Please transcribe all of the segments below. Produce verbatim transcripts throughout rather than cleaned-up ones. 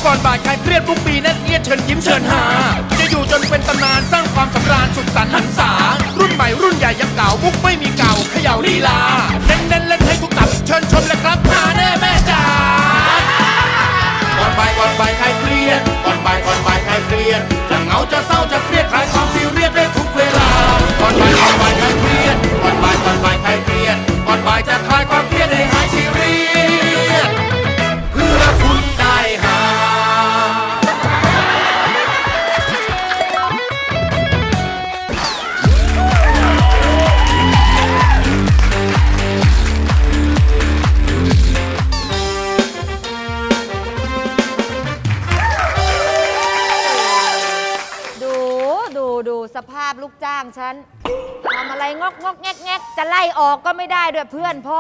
ก่อนบ่ายคลายเครียดทุกปีแน่นเอียดเชิญยิ้มเชิญหาจะอยู่จนเป็นตำนานสร้างความสำราญสุขสันต์หันษารุ่นใหม่รุ่นใหญ่ยังเก่ามุกไม่มีเก่าเขย่าลีลาเน้นเน้นเล่นให้ทุกตับเชิญชมเลยครับหาแน่แม่จ๋าก่อนบ่ายก่อนบ่ายคลายเครียดก่อนบ่ายก่อนบ่ายคลายเครียดจะเหงาจะเศร้าจะเครียดคลายความซีเรียสได้ทุกเวลาก่อนบ่ายก่อนบ่ายคลายเครียดก่อนบ่ายก่อนบ่ายคลายเครียดก่อนบ่ายจะคลายความเครียดให้หายซีเรียสเพื่อคุณได้หาดูสภาพลูกจ้างฉันทำอะไรงอกงอกแงกแงกจะไล่ออกก็ไม่ได้ด้วยเพื่อนพ่อ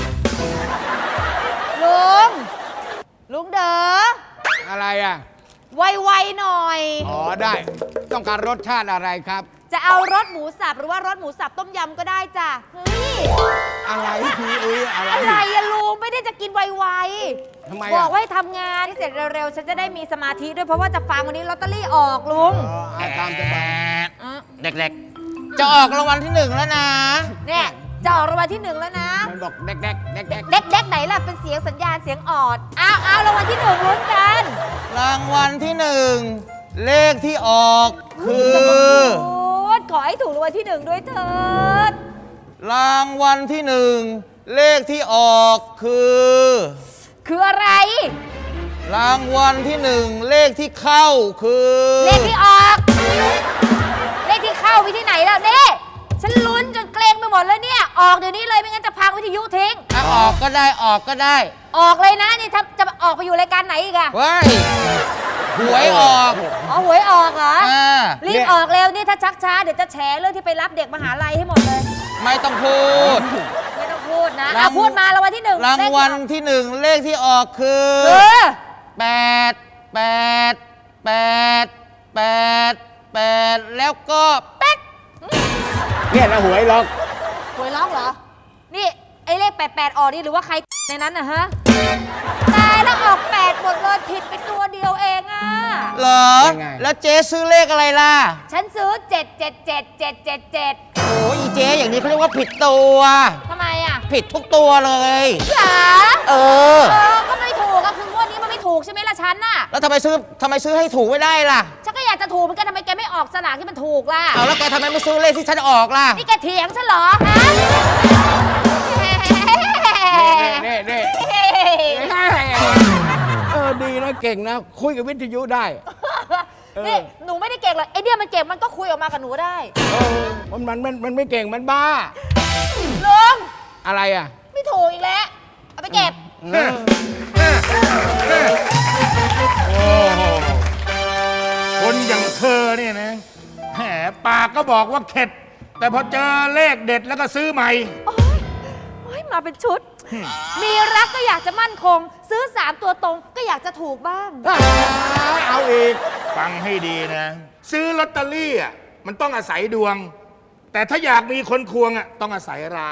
ลุงลุงเด๋ออะไรอ่ะไวๆหน่อยอ๋อได้ต้องการรสชาติอะไรครับจะเอารสหมูสับหรือว่ารสหมูสับต้มยำก็ได้จ้ะเฮ้ยอะไรพี่เอ้ยอะไรอะไรอะลุงไม่ได้จะกินไวๆทำไมบอกว่าให้ทำงานที่เสร็จเร็วๆฉันจะได้มีสมาธิด้วยเพราะว่าจะฟังวันนี้ลอตเตอรี่ออกลุงอ๋อตามจะไปเด็กๆจะออกรางวัลที่หนึ่งแล้วนะเนี่ยจะออกรางวัลที่หนึ่งแล้วนะมันบอกเด็กๆเด็กๆเด็กๆเด็กๆไหนล่ะเป็นเสียงสัญญาณเสียงออดอ้าวอ้าวรางวัลที่หนึ่งลุ้นกันรางวัลที่หนึ่งเลขที่ออกคือขอให้ถูกรางวัลที่หนึ่งด้วยเถิดรางวัลที่หนึ่งเลขที่ออกคือคืออะไรรางวัลที่หนึ่งเลขที่เข้าคือเลขที่ออกเลขที่เข้าไปที่ไหนแล้วนี่ฉันลุ้นจนเกรงไปหมดแล้วเนี่ยออกเดี๋ยวนี้เลยไม่งั้นจะพังวิทยุทิ้งอ่ะออกก็ได้ออกก็ได้ออกเลยนะนี่ถ้าจะออกไปอยู่รายการไหนอีกอะว้ายหวยออกอ๋อหวยออกเหรอรีบออกเร็วนี่ถ้าชักช้าเดี๋ยวจะแฉเรื่องที่ไปรับเด็กมหาลัยให้หมดเลยไม่ต้องพูดไม่ต้องพูดนะเอาพูดมารางวัลที่หนึ่งรางวัลที่หนึ่งเลขที่ออกคือแปดแปดแปดแปดแปดแล้วก็แป๊กเนี่ยนะหวยล็อกหวยล็อกเหรอนี่ไอ้เลขแปดแปดออกนี่หรือว่าใครในนั้นนะฮะตายแล้วออกแปดหมดเลยผิดไปตัวเดียวเองอ่ะเหรอแล้วเจ๊ซื้อเลขอะไรล่ะฉันซื้อเจ็ดเจ็ดเจ็ดเจ็ดเจ็ดเจ็ดโอ้ยเจ๊อย่างนี้เขาเรียกว่าผิดตัวทำไมอ่ะผิดทุกตัวเลยเหรอเออเออก็ไม่ถูกก็คืองวดนี้มันไม่ถูกใช่ไหมล่ะฉันน่ะแล้วทำไมซื้อทำไมซื้อให้ถูกไม่ได้ล่ะฉันก็อยากจะถูกเหมือนกันทำไมแกไม่ออกสลากที่มันถูกล่ะเอาแล้วแกทำไมไม่ซื้อเลขที่ฉันออกล่ะนี่แกเถียงฉันเหรอฮะเน่เน่เออดีนะเก่งนะคุยกับวิทยุได้นี่หนูไม่ได้เก่งหรอกไอเดียมันเก่งมันก็คุยออกมากับหนูได้เออมันมันมันมันไม่เก่งมันบ้าลุงอะไรอ่ะไม่ถูกอีกแล้วเอาไปเก็บโอ้โหคนอย่างเธอเนี่ยนะแหมปากก็บอกว่าเข็ดแต่พอเจอเลขเด็ดแล้วก็ซื้อใหม่โอ้ยมาเป็นชุดมีรักก็อยากจะมั่นคงซื้อสามตัวตรงก็อยากจะถูกบ้างเอาอีกฟังให้ดีนะซื้อลอตเตอรี่อ่ะมันต้องอาศัยดวงแต่ถ้าอยากมีคนควงอ่ะต้องอาศัยเรา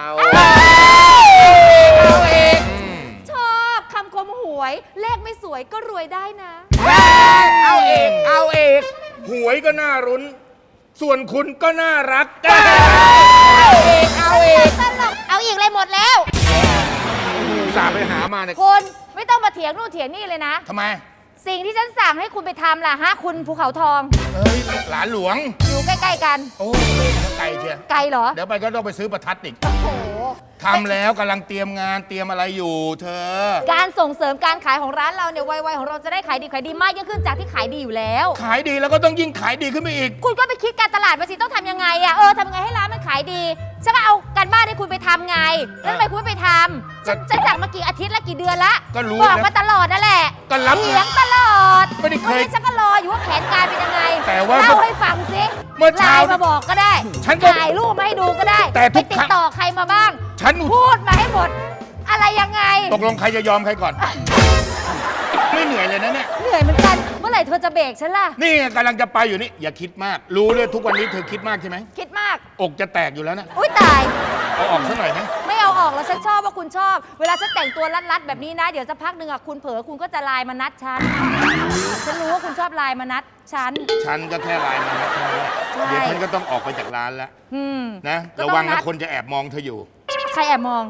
เอาอีกชอบคำคมหวยเลขไม่สวยก็รวยได้นะเอาอีกเอาอีกหวยก็น่ารุ้นส่วนคุณก็น่ารักเอาอีกเอาอีกเอาอีกเลยหมดแล้วสาไปหามาเนี่ยคุณไม่ต้องมาเถียงนู่นเถียงนี่เลยนะทำไมสิ่งที่ฉันสั่งให้คุณไปทำล่ะฮะคุณภูเขาทองเฮ้ยหลานหลวงอยู่ใกล้ๆกันโอ้ไกลเชียวไกลเหรอเดี๋ยวไปก็ต้องไปซื้อประทัดอีกโอ้โหทำแล้วกำลังเตรียมงานเตรียมอะไรอยู่เธอการส่งเสริมการขายของร้านเราเนี่ยไวๆของเราจะได้ขายดีขายดีมากยิ่งขึ้นจากที่ขายดีอยู่แล้วขายดีแล้วก็ต้องยิ่งขายดีขึ้นไปอีกคุณก็ไปคิดการตลาดมาสิต้องทำยังไงอะเออทำยังไงให้ร้านมันขายดีฉันก็เอาการบ้านให้คุณไปทำไงแล้วทำไมคุณไม่ไปทำฉันจะสั่งมากี่อาทิตย์ละกี่เดือนละก็รู้บอกมาตลอดนั่นแหละก็รับเถียงตลอดไม่ได้เคยฉันก็รออยู่ว่าแผนการเป็นยังไงแต่ว่าเล่าให้ฟังสิเมื่อเช้ามาบอกก็ได้ฉันถ่ายรูปมาให้ดูก็ได้แต่ไปติดต่อใครมาบ้างฉันพูดมาให้หมดอะไรยังไงตกลงใครจะยอมใครก่อนไม่เหนื่อยเลยนะเนี่ยเหนื่อยเหมือนกันเมื่อไหร่เธอจะเบรกฉันล่ะนี่กำลังจะไปอยู่นี่อย่าคิดมากรู้เลยทุกวันนี้เธอคิดมากใช่ไหมคิดมากอกจะแตกอยู่แล้วนะอุ้ยตายเอาออกสักหน่อยไหมไม่เอาออกแล้วฉันชอบว่าคุณชอบ เวลาฉันแต่งตัวรัดๆแบบนี้นะ เดี๋ยวสักพักหนึ่งอ่ะคุณเผลอคุณก็จะไลน์มานัดฉัน ฉันรู้ว่าคุณชอบไลน์มานัดฉันฉันก็แค่ไลน์มานะใช่เดี๋ยวฉันก็ต้องออกไปจากร้านแล้วอืมนะก็ระต้องวังนันะดคนจะแอบมองเธออยู่ใครแอบมอง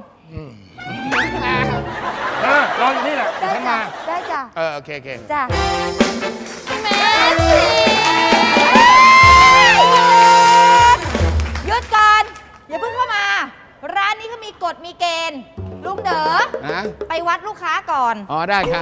เออรออยู่นี่แหละเดี๋ยวฉันมาได้จ้ะเออโอเคโอเคจ้ะเมสซี่หยุดก่อน อย่าเพิ่งเข้ามา ร้านนี้เขามีกฎมีเกณฑ์ ลุงเด๋อฮะไปวัดลูกค้าก่อนอ๋อได้ครับ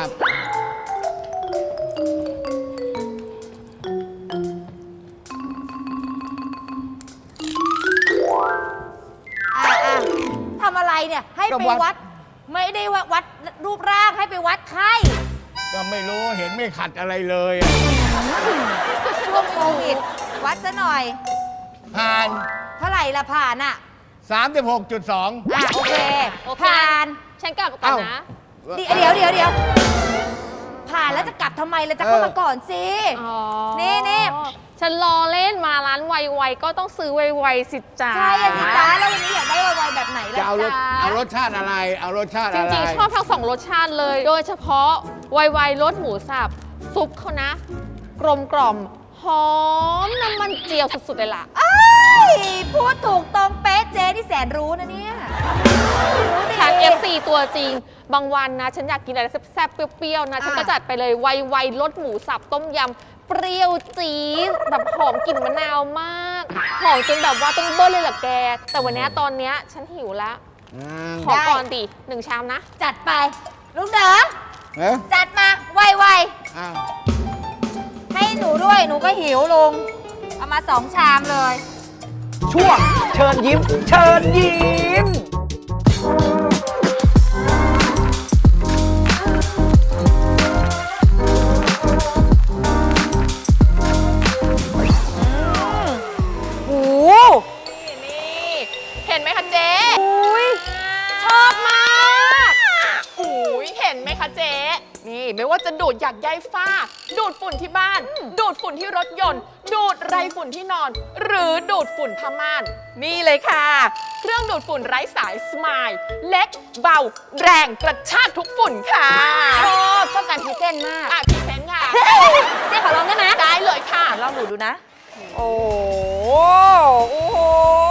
อ่ะอ่ะทำอะไรเนี่ย ให้ก็ไปวัดวัด ไม่ได้ว่าวัดรูปร่างให้ไปวัดไข้ก็ไม่รู้เห็นไม่ขัดอะไรเลยอะช่วงโควิด วัดซะหน่อยผ่านเท่าไหร่ละผ่านอ่ะสามสิบหกจุดสองอ่ะโอเคโอเคผ่านฉันกลับก่อนเอ้านะเดี๋ยวเดี๋ยวเดี๋ยวเดี๋ยวผ่านแล้วจะกลับทำไมเราจะเข้ามาก่อนสิอ๋อนี่นี่ฉันรอเล่นมาร้านไวๆก็ต้องซื้อไวๆสิจ้าใช่อะสิจ้าแล้ววันนี้อยากได้ไวๆแบบไหล่ะจะเอารสจ้าเอารสชาติอะไร เอารสชาติจอะไรริงๆ ชอบทั้งสองรสชาติเลย โดยเฉพาะไวๆรสหมูสับ ซุปเขานะ กลมกล่อมหอมน้ำมันเจียวสุดๆเลยล่ะเอ้ยพูดถูกตรงเป๊ะเจ๊ที่แสนรู้นะเนี่ยรู้ดีฉัน เอฟ ซี ตัวจริง บางวันนะ ฉันอยากกินอะไรแซ่บๆ เปรี้ยวๆ นะ ฉันก็จัดไปเลยไวๆรสหมูสับต้มยำ เปรี้ยวจี๊ดแบบหอมกลิ่นมะนาวมาก หอมจนแบบว่าต้องเบิ้ลเลยเหรอแก แต่วันเนี้ยตอนเนี้ยฉันหิวแล้วอืมขอก่อนดิหนึ่งชามนะจัดไปลุงเด๋อเอ๊ะจัดมาไวอ้าวๆให้หนูด้วยหนูก็หิวลุงเอามาสองชามเลยช่วงเชิญยิ้ม เชิญยิ้มโอ้นี่เห็นไหมคะเจ๊อุ้ยชอบมากอุ้ยเห็นไหมคะเจ๊ นี่ไม่ว่าจะดูดหยักใยฝ้า ดูดฝุ่นที่บ้าน ดูดฝุ่นที่รถยนต์ ดูดไรฝุ่นที่นอน หรือดูดฝุ่นผ้าม่าน นี่เลยค่ะ เครื่องดูดฝุ่นไร้สายสมายเล็กเบา แรงกระชากทุกฝุ่นค่ะชอบชอบการพรีเซนต์มากอ่ะพรีเซนต์ค่ะเจ๊ขอลองได้ไหมได้เลยค่ะลองดูดูนะ โอ้โอ้โห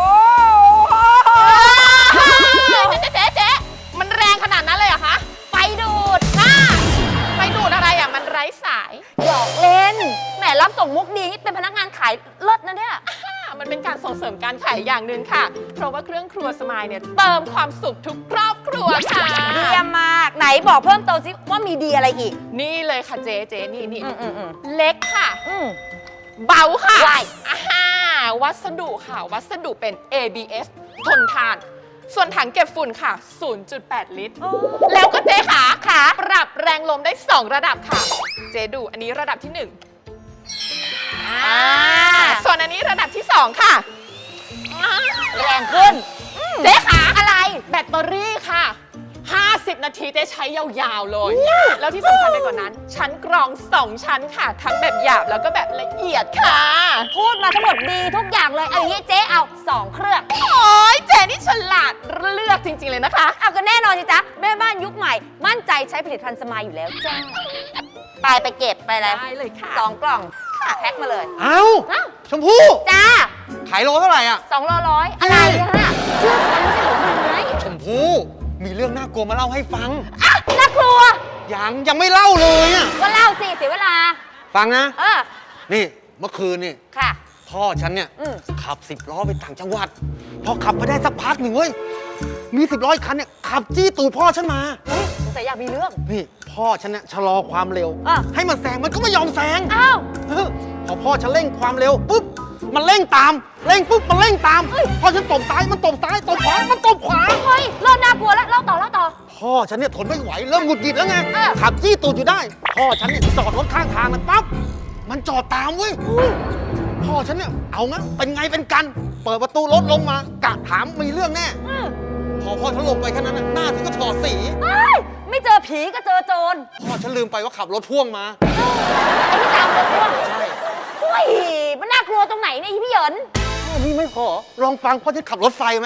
เจ๊เจ๊เจ๊มันแรงขนาดนั้นเลยเหรอคะไฟดูดน่าไปดูดอะไรอ่ะ มันไร้สายหยอกเล่น แหมรับส่งมุกดีนี่เป็นพนักงานขายเลิศนะเนี่ยอ่ามันเป็นการส่งเสริมการขายอย่างหนึ่งค่ะ เพราะว่าเครื่องครัวสมายเนี่ยเติมความสุขทุกครอบครัวค่ะเยี่ยมมาก ไหนบอกเพิ่มเติมสิว่ามีดีอะไรอีกนี่เลยค่ะเจ๊เจ๊นี่นี่อืมอืมอืมเล็กค่ะอืมเบาค่ะว้ายอ่าวัสดุค่ะ วัสดุเป็น เอ บี เอส ทนทาน ส่วนถังเก็บฝุ่นค่ะ ศูนย์จุดแปด ลิตร แล้วก็เจ๊ขาขาปรับแรงลมได้ สอง ระดับค่ะ เจ๊ดูอันนี้ระดับที่หนึ่งอ่าส่วนอันนี้ระดับที่สองค่ะอ่าแรงขึ้นเจ๊ขาอะไร แบตเตอรี่ค่ะ ห้าสิบ นาทีเจ๊ใช้ยาวๆเลย แล้วที่สำคัญไปกว่านั้น ชั้นกรอง สอง ชั้นค่ะ ทั้งแบบหยาบแล้วก็แบบละเอียดค่ะพูดมาทั้งหมดดีทุกอย่างเลย เอาอย่างนี้เจ๊เอาสองเครื่องโอ้ยเจ๊นี่ฉลาดเลือกจริง ๆ เลยนะคะเอาก็แน่นอนสิจ๊ะ แม่บ้านยุคใหม่ มั่นใจใช้ผลิตภัณฑ์สมายอยู่แล้วจ้าไปไปเก็บไปเลยได้เลยค่ะสองกล่องแพ็คมาเลยเอ้าอ้าวชมพู่จ้าขายโลเท่าไหร่อ่ะสองโลร้อยอะไรอะชื่อฉันไม่ใช่หมูไม้ชมพู่มีเรื่องน่ากลัวมาเล่าให้ฟังอ่ะน่ากลัวยังยังไม่เล่าเลยอ่ะก็เล่าสิเสียเวลาฟังนะเออนี่เมื่อคืนนี่ค่ะพ่อฉันเนี่ยอืมขับสิบล้อไปต่างจังหวัด พอขับไปได้สักพักหนึ่งเว้ย มีสิบล้ออีกคันเนี่ยขับจี้ตูดพ่อฉันมาอุ๊ยสงสัยอยากมีเรื่องนี่พ่อฉันเนี่ยชะลอความเร็วอ่ะให้มันแซงมันก็ไม่ยอมแซงอ้าวเออพอพ่อฉันเร่งความเร็วปุ๊บ มันเร่งตาม เร่งปุ๊บมันเร่งตาม พอฉันตบซ้ายมันตบซ้ายตบขวา มันตบขวาเฮ้ยเริ่มน่ากลัวแล้วเล่าต่อเล่าต่อพ่อฉันเนี่ยทนไม่ไหวเริ่มหงุดหงิดแล้วไงเออขับจี้ตูดอยู่ได้ พ่อฉันเนี่ยจอดรถข้างทางมันปั๊บ มันจอดตามเว้ย พ่อฉันเนี่ยเอางั้นเป็นไงเป็นกัน เปิดประตูรถลงมากะถามมีเรื่องแน่อืมพอพ่อฉันลงไปแค่นั้นน่ะหน้าฉันก็ถอดสีเอ้ยไม่เจอผีก็เจอโจรพ่อฉันลืมไปว่าขับรถพ่วงมาไอ้ที่ตามรถพ่วงใช่เฮ้ยมันน่ากลัวตรงไหนเนี่ยอีพี่เหยินแค่นี้ไม่พอ ลองฟังพ่อฉันขับรถไฟไหมอ๋อ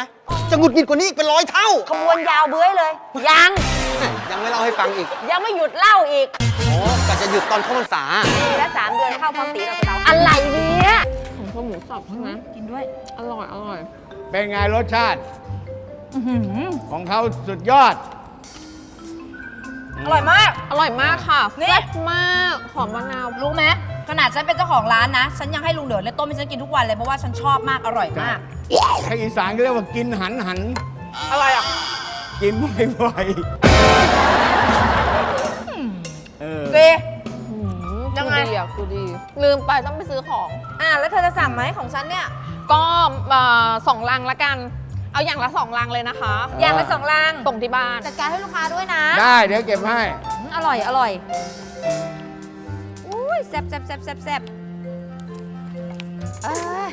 จะหงุดหงิดกว่านี้อีกเป็นร้อยเท่าขบวนยาวเบื้อยเลย ยังยังไม่เล่าให้ฟังอีกยังไม่หยุดเล่าอีกอ๋อกะจะหยุดตอนเข้าพรรษาปีละสามเดือนเข้าพร้อมตีเราเราอะไรเนี่ยของข้าวหมูสับใช่ไหมกินด้วยอร่อย อร่อยเป็นไงรสชาติอื้อหือของเขาสุดยอดอร่อยมากอร่อยมากค่ะนี่แซ่บมาก หอมมะนาวรู้ไหมขนาดฉันเป็นเจ้าของร้านนะ ฉันยังให้ลุงเดือดเลยต้มให้ฉันกินทุกวันเลยเพราะว่าฉันชอบมากอร่อยมากให้อีสานก็เรียกว่ากินหันหันอะไรอ่ะกินบ่อยๆเออดี ยัยังไงดีอ่ะคือดี ลืมไปต้องไปซื้อของอ่ะแล้วเธอจะสั่งไหมของฉันเนี่ยก็เอ่อสองลังละกัน เอาอย่างละสองลังเลยนะคะอย่างละสองลังส่งที่บ้านจัดการให้ลูกค้าด้วยนะได้เดี๋ยวเก็บให้อืมอร่อยอร่อยอุ้ยแซ่บแซ่บแซ่บแซ่บแซ่บเอ้ย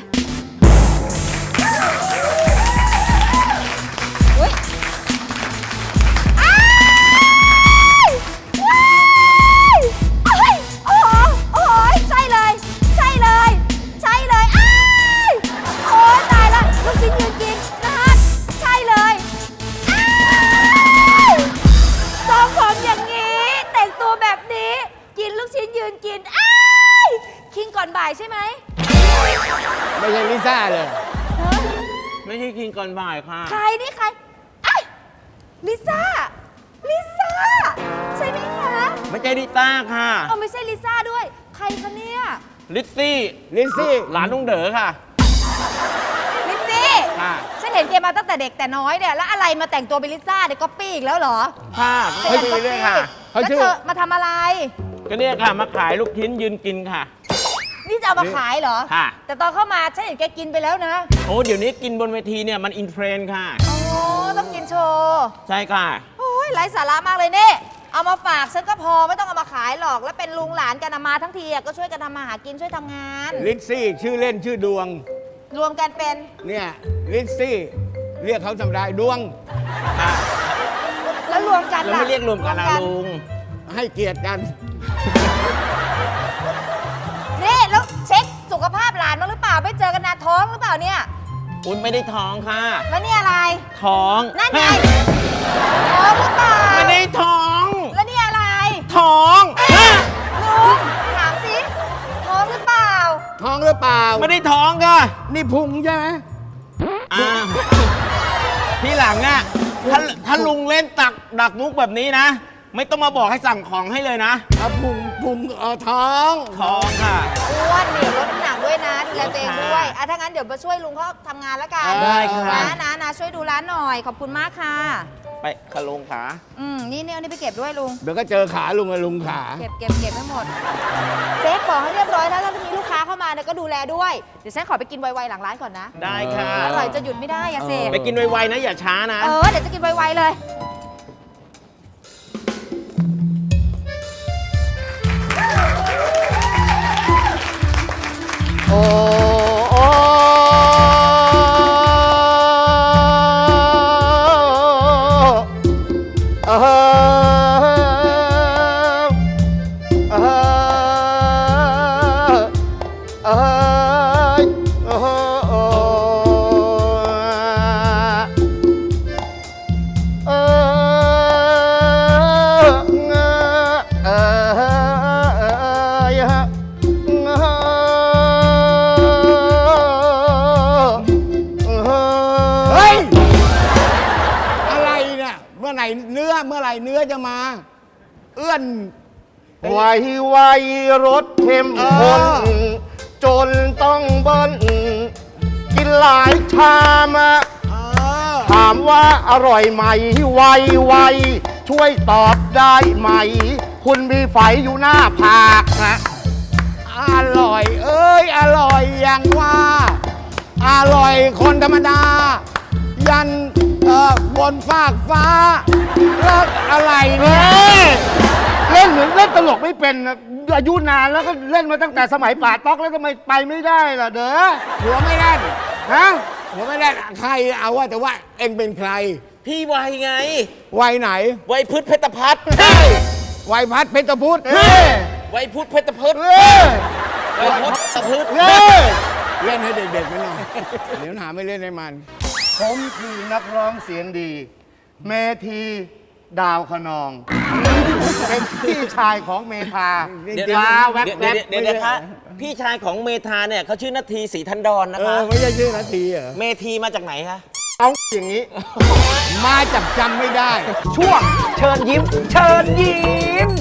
อุ้ยอ้ายว้ายเอ้ยโอ้โหโอ้โหใช่เลย ใช่เลย ใช่เลยอ้ายโอ้ยตายละลูกชิ้นยืนกินนะคะใช่เลยอ้ายทรงผมอย่างนี้ แต่งตัวแบบนี้ กินลูกชิ้นยืนกินอ้ายคิงก่อนบ่ายใช่ไหมไม่ใช่ลิซ่าเลยฮะไม่ใช่กินก่อนบ่ายค่ะใครนี่ใครไอ้ยลิซ่า ลิซ่า ใช่ไหมคะไม่ใช่ดิต้าค่ะเอาไม่ใช่ลิซ่าด้วย ใครคะเนี่ยลิซซี่ลิซซี่หลานลุงเด๋อค่ะลิซซี่ค่ะฉันเห็นแกมาตั้งแต่เด็กแต่น้อยเนี่ย แล้วอะไรมาแต่งตัวเป็นลิซ่าเดี๋ยวก๊อปปี้อีกแล้วเหรอค่ะเป็นไม่การดีก๊อปเลยปี้ค่ะเขาแล้วชื่อเธอมาทำอะไรก็เนี่ยค่ะ มาขายลูกชิ้นยืนกินค่ะนี่จะเอามาขายเหรอค่ะแต่ตอนเข้ามาฉันเห็นแกกินไปแล้วนะโอ้เดี๋ยวนี้กินบนเวทีเนี่ยมันอินเทรนด์ค่ะโอ้ต้องกินโชว์ใช่ค่ะโอ้ยไร้สาระมากเลยเนี่ยเอามาฝากฉันก็พอไม่ต้องเอามาขายหรอก แล้วเป็นลุงหลานกันอะมาทั้งทีอะก็ช่วยกันทำมาหากินช่วยทำงานลิซซี่ชื่อเล่นชื่อดวงรวมกันเป็นเนี่ยลิซซี่เรียกเขาธรรมดาดวงแล้วรวมกันแล้วล่ะไม่เรียกรวมกันละลุงให้เกียรติกันนี่แล้วเช็คสุขภาพหลานบ้างหรือเปล่าไม่เจอกันนานท้องหรือเปล่าเนี่ยคุณไม่ได้ท้องค่ะแล้วนี่อะไรท้องนั่นไงท้องหรือเปล่าไม่ได้ท้องแล้วนี่อะไรท้องลุงถามสิท้องหรือเปล่าท้องหรือเปล่าไม่ได้ท้องค่ะนี่พุงใช่ไหมอ่าที่หลังอ่ะถ้าถ้าลุงเล่นตักดักมุกแบบนี้นะ ไม่ต้องมาบอกให้สั่งของให้เลยนะเอาพุงพุงเออท้องท้องค่ะอ้วนนี่ลดน้ำหนักด้วยนะดูแลตัวเองด้วยอ่ะถ้างั้นเดี๋ยวมาช่วยลุงเขาทำงานแล้วกันได้ค่ะนะนะนะช่วยดูร้านหน่อย ขอบคุณมากค่ะไปขะลงขาอืมนี่เนี่ยเอานี่ไปเก็บด้วยลุงเดี๋ยวก็เจอขาลุงกับลุงขาเก็บเก็บเก็บไม่หมดเช็คของให้เรียบร้อยแล้วถ้ามีลูกค้าเข้ามาเนี่ยก็ดูแลด้วย เดี๋ยวฉันขอไปกินไวๆหลังร้านก่อนนะได้ค่ะอร่อยจะหยุดไม่ได้อะเสพไปกินไวๆนะอย่าช้านะเออเดี๋ยวจะกินไวๆเลยโอ้โอ้เออเออเออเออเออเฮ้ย อะไรเนี่ย เมื่อไหร่เนื้อ เมื่อไหร่เนื้อจะมา เอื้อนไวไวรสเข้มข้นเออจนต้องเบิ้ลกินหลายชามอะเออถามว่าอร่อยไหม ไวไวช่วยตอบได้ไหม คุณมีไฝอยู่หน้าผากนะอร่อย เอ้ย อร่อยอย่างว่า อร่อยคนธรรมดา ยันเอ่อบนฟากฟ้าแล้วอะไรเฮ้เนี่ยยเล่นเหมือนเล่นตลกไม่เป็นนะอายุนานแล้วก็เล่นมาตั้งแต่สมัยป่าต๊อกแล้วทำไมไปไม่ได้ล่ะเด้อหัวไม่แน่นฮะหัวไม่แน่นใครเอาว่าแต่ว่าเอ็งเป็นใครพี่ไวไงวัยไหนไวพืชเพชรพัฒน์วัยพัดเพชรพุทธเฮ้ยไวพุทธเพชรพืชเฮ้ยไวพุทธพืชเฮ้ยเล่นให้เด็กๆไปหน่อย เดี๋ยวหาไม่เล่นให้มันผมคือนักร้องเสียงดี เมธีดาวขนอง เป็นพี่ชายของเมธาเดี๋ยวมาแวบเดี๋ยวแวบเดี๋ยวเดี๋ยวนะคะพี่ชายของเมธาเนี่ยเขาชื่อนาทีศรีทันดรนะเอคะอไม่ใช่ชื่อนาทีเหรอเมธีมาจากไหนคะเอาอย่างนี้ มาจับจำไม่ได้ช่วงเชิญยิ้ม เชิญยิ้ม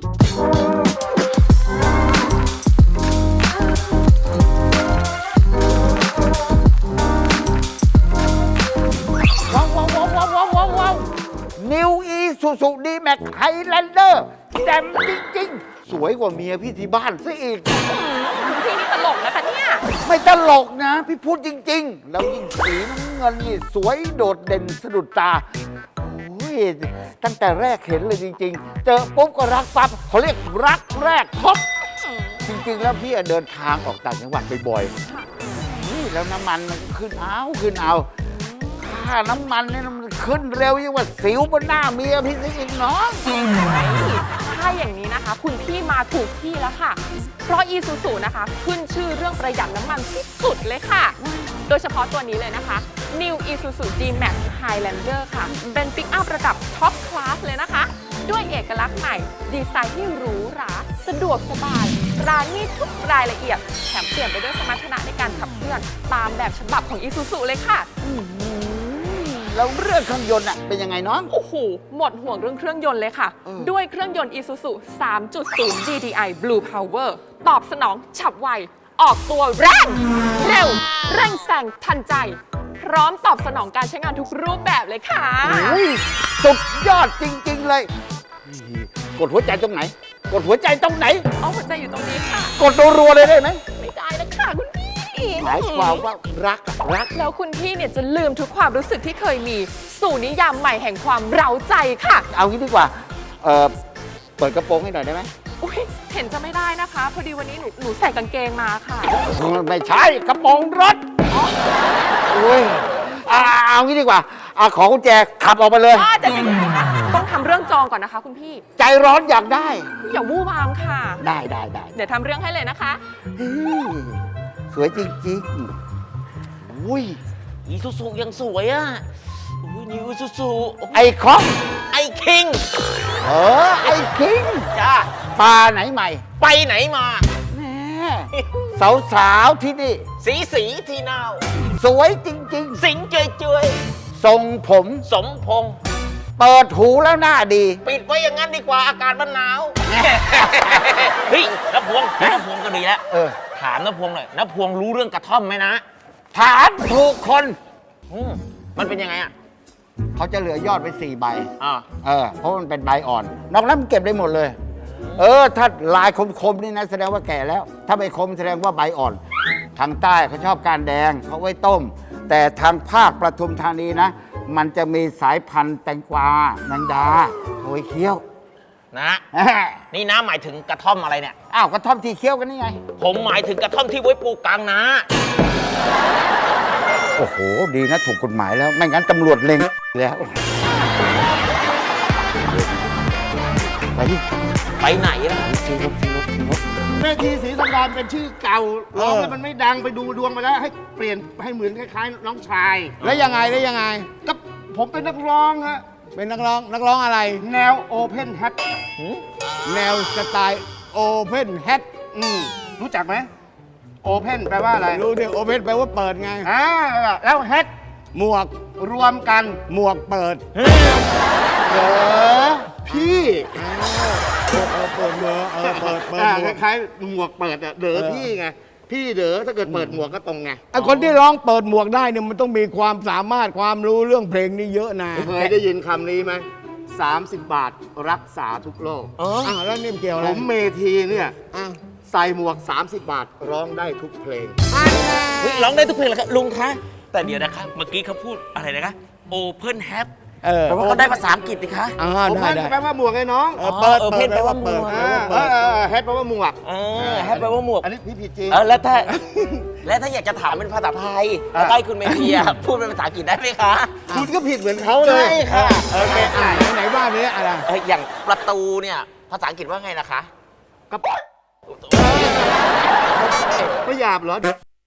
ว้าวว้าวว้าวว้าวว้าวว้าวว้าวนิวอีซูซูดีแม็กไฮแลนเดอร์แจ่มจริง ๆ สวยกว่าเมียพี่ที่บ้านซะอีกคุณพี่นี่ตลกนะคะเนี่ยไม่ตลกนะ พี่พูดจริง ๆ แล้วยิ่งสีน้ำเงินนี่สวยโดดเด่นสะดุดตา โอ้ย ตั้งแต่แรกเห็นเลยจริง ๆ เจอปุ๊บก็รักปั๊บเขาเรียกรักแรกพบ จริง ๆ แล้วพี่อะเดินทางออกต่างจังหวัดบ่อยๆนี่แล้วน้ำมันมันก็ขึ้นเอาขึ้นเอา ค่าน้ำมันนี่มันขึ้นเร็วยิ่งกว่าสิวบนหน้าเมียพี่ซะอีกน้องถ้าอย่างนี้นะคะ คุณพี่มาถูกที่แล้วค่ะ เพราะ Isuzu นะคะ ขึ้นชื่อเรื่องประหยัดน้ำมันที่สุดเลยค่ะ โดยเฉพาะตัวนี้เลยนะคะ New Isuzu D-Max Highlander ค่ะ เป็นปิกอัพระดับท็อปคลาสเลยนะคะ ด้วยเอกลักษณ์ใหม่ ดีไซน์ที่หรูหรา สะดวกสบาย รานี่ทุกรายละเอียด แถมเปลี่ยนไปด้วยสมรรถนะในการขับเคลื่อน ตามแบบฉบับของ Isuzu เลยค่ะแล้วเรื่องเครื่องยนต์อะเป็นยังไงน้องโอ้โห หมดห่วงเรื่องเครื่องยนต์เลยค่ะ ด้วยเครื่องยนต์ Isuzu สามจุดศูนย์ ดี ดี ไอ Blue Power ตอบสนองฉับไว ออกตัวแรง เร็ว เร่งแซงทันใจ พร้อมตอบสนองการใช้งานทุกรูปแบบเลยค่ะอุ้ยสุดยอดจริง ๆ เลย กดหัวใจตรงไหน กดหัวใจตรงไหนเอาหัวใจอยู่ตรงนี้ค่ะกดรัวๆเลยได้ไหมไม่ได้นะค่ะคุณพี่หมายความว่ารักอะรักแล้วคุณพี่เนี่ยจะลืมทุกความรู้สึกที่เคยมี สู่นิยามใหม่แห่งความเร้าใจค่ะเอางี้ดีกว่า เอ่อ เปิดกระโปรงให้หน่อยได้ไหมอุ้ยเห็นจะไม่ได้นะคะ พอดีวันนี้หนูหนูใส่กางเกงมาค่ะไม่ใช่กระโปรงรถโอ้ยอ่าเอางี้ดีกว่าอ่าขอกุญแจขับออกไปเลยว่าจะยังไงคะต้องทำเรื่องจองก่อนนะคะ คุณพี่ใจร้อนอยากได้อย่าวู่วามค่ะได้ได้ได้เดี๋ยวทำเรื่องให้เลยนะคะเฮ้ยสวยจริงๆอุ้ยอีซูซูยังสวยอ่ะอุ้ยนิวอีซูซูไอ้คอกไอ้คิงเออ ไอ้คิงจ้าปลาไหนใหม่ไปไหนมาแน่สาวสาวๆที่นี่สีสีทีนาวสวยจริงสิงเจยเจยๆ ทรงผมสมพงษ์เปิดหูแล้วหน้าดีปิดไว้อย่างนั้นดีกว่าอากาศมันหนาว เฮ้ยน้าพวงน้าพวงก็ดีแล้วเออถามน้าพวงหน่อยน้าพวงรู้เรื่องกระท่อมไหมนะถามถูกคนอืมมันเป็นยังไงอ่ะเขาจะเหลือยอดไปสี่ใบอ่าเออ เพราะมันเป็นใบอ่อน นอกนั้นมันเก็บได้หมดเลย เออ ถ้าลายคมๆนี่นะแสดงว่าแก่แล้ว ถ้าไม่คมแสดงว่าใบอ่อน ทางใต้เขาชอบการแดงเขาไว้ต้ม แต่ทางภาคประทุมธานีนะ มันจะมีสายพันธุ์แตงกวาแมงดาโอยเคี้ยวนะ นี่น้าหมายถึงกระท่อมอะไรเนี่ยอ้าวกระท่อมที่เคี้ยวกันนี่ไงผมหมายถึงกระท่อมที่ไว้ปลูกกลางนาโอ้โห ดีนะถูกกฎหมายแล้ว ไม่งั้นตำรวจเล็งแล้ว ไปดิไปไหนล่ะซื้อรถซื้อรถซื้อรถแม่ทีศรีสังดารเป็นชื่อเก่าร้องแล้วมันไม่ดังไปดูดวงมาแล้ว ให้เปลี่ยนให้เหมือนคล้ายๆน้องชายแล้วยังไงแล้วยังไงก็ผมเป็นนักร้องฮะเป็นนักร้องนักร้องอะไรแนวโอเพนแฮทแนวสไตล์โอเพนแฮทอืมรู้จักไหมโอเพนแปลว่าอะไรรู้ดิโอเพนแปลว่าเปิดไงอ่าแล้วแฮทหมวกรวมกันหมวกเปิดเออพี่เออเออเปิดหมวกเออเปิดเปิดอ่าหมวกคล้ายๆหมวกเปิดอะเด๋อเออพี่ไงพี่เด๋อถ้าเกิดเปิดหมวกก็ตรงไงไอคนที่ร้องเปิดหมวกได้เนี่ยมันต้องมีความสามารถความรู้เรื่องเพลงนี่เยอะนะเคยได้ยินคำนี้ไหมสามสิบบาทรักษาทุกโรคเอออ้าวแล้วนี่มันเกี่ยวอะไรผมเมทีเนี่ยอ้าวใส่หมวก สามสิบบาทร้องได้ทุกเพลงอันน่ะเฮ้ยร้องได้ทุกเพลงเลยครับลุงคะ แต่เดี๋ยวนะคะ เมื่อกี้เขาพูดอะไรนะคะ Open Hat เออแปลว่าเขาได้ภาษาอังกฤษดิคะอ่าผมได้ว่าได้แปลว่าหมวกไงน้องเออเปิดเออเปิดเพนแปลว่าเปิดหมวกแปลอ่าว่าเอเปิดอเออแฮทแปลว่าหมวกเออแฮปแปลว่าหมวกอันนี้พี่ผิดจริงเออแล้วถ้า แล้วถ้าอยากจะถามเป็นภาษาไทยอ่ะแล้วให้คุณเมธีอะพูดเป็นภาษาอังกฤษได้ไหมคะคุณก็ผิดเหมือนเขาเลยใช่ค่ะโอเคอ่าไหนบ้านนี้อะไรเอออย่างประตูเนี่ยภาษาอังกฤษว่าไงนะคะก็ไม่หยาบเหรอ